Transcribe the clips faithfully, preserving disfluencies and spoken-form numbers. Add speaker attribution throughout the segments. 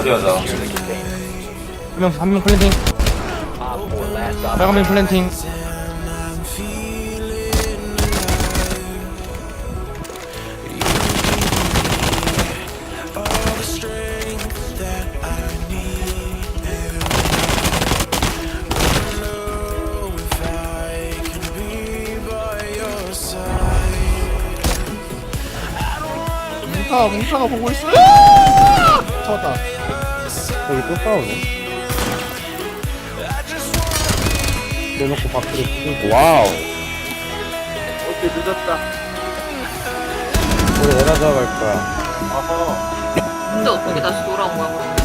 Speaker 1: 마무리하자.
Speaker 2: 한명 한 명 플랜팅. 빨간면 플랜팅.
Speaker 3: 뭉카 뭉카가 보고 있어. 잡았다.
Speaker 2: 여기 또 싸우네. 내놓고 밖으로 pu고. 와우.
Speaker 3: 오케이 늦었다.
Speaker 2: 우리 에라 잡아갈 거야.
Speaker 3: 아하.
Speaker 4: 근데 어떻게 다시 돌아온 거야 그럼?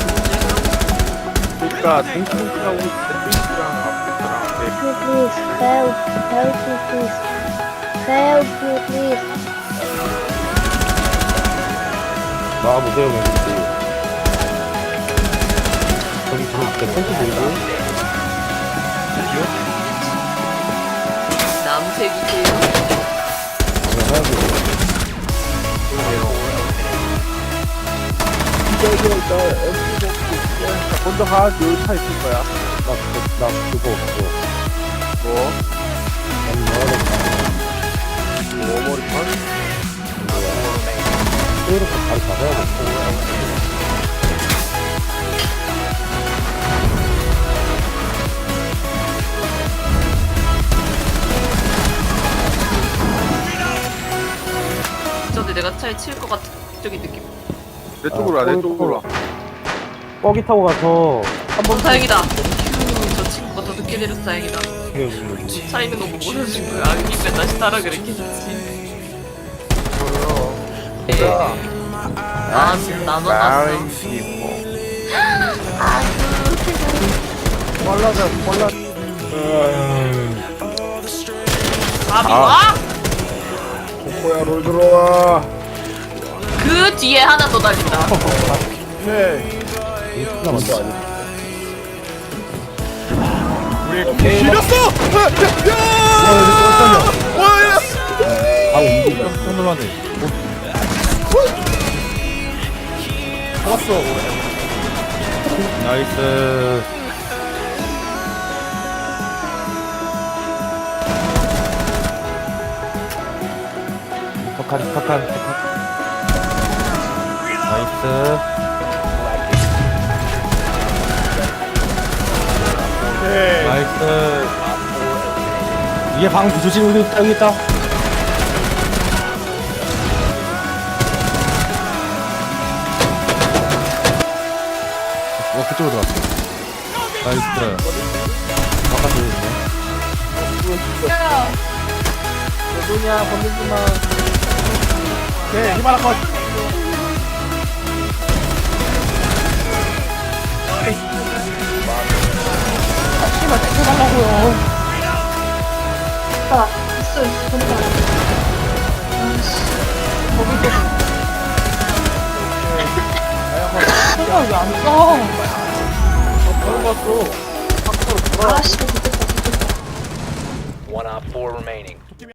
Speaker 3: 그러니까 뭉치뭉치하고 있는데 뭉치랑 아프랑
Speaker 5: Please, help, help me, please. Help me, please.
Speaker 2: 나와보세요, 멤버들. 저기 들어올 때 펜트 들고.
Speaker 4: 남색이세요?
Speaker 2: 그냥 해야지.
Speaker 3: 이거 나 엠피 먹고 먼저 가. 여기 차 있을 거야.
Speaker 2: 나, 그거, 나 그거 없어.
Speaker 3: 뭐?
Speaker 2: 난 넣어야겠다.
Speaker 3: 오머리판?
Speaker 2: 또 이렇게 바로 잡아야겠어.
Speaker 4: 저기 내가 차에 칠 것 같은 저기 느낌.
Speaker 3: 내 쪽으로 와. 내 쪽으로 와.
Speaker 2: 뻐기 타고 가서
Speaker 4: 어 다행이다. 휴, 저 친구가 더 늦게 내려서 다행이다.
Speaker 2: 그
Speaker 4: 차 있는 거 못 보여준 거야. 아니면 다시 타라 그랬겠지. 아, 나만 봤어.
Speaker 3: 빨라져 빨라.
Speaker 4: 밥이 와?
Speaker 3: 코코야 롤 들어와.
Speaker 4: 그 뒤에 하나 더 달린다.
Speaker 3: 네.
Speaker 2: 진짜 먼저 아니야.
Speaker 3: 우리 길었어. 야! 와야!
Speaker 2: 아, 움직여. 깜짝 놀라네.
Speaker 3: 왔어.
Speaker 2: 나이스. 턱한, 턱한, 턱한. 나이스.
Speaker 3: 오케이.
Speaker 2: 나이스. 위에 방 조심, 여기 있다, 여기 있다. 어, 그쪽으로 들어왔어. 나이스. 바깥에 있네.
Speaker 3: 누구냐 건들지 마. 오케이 히바라 컷.
Speaker 5: 씨발, 해달라고요. 아, 있어, 있어, 된다. 아이씨. 거기 왜안 써?
Speaker 3: 들어갔어.
Speaker 5: 아, 씨발, 됐다, 됐다.
Speaker 6: One op four remaining.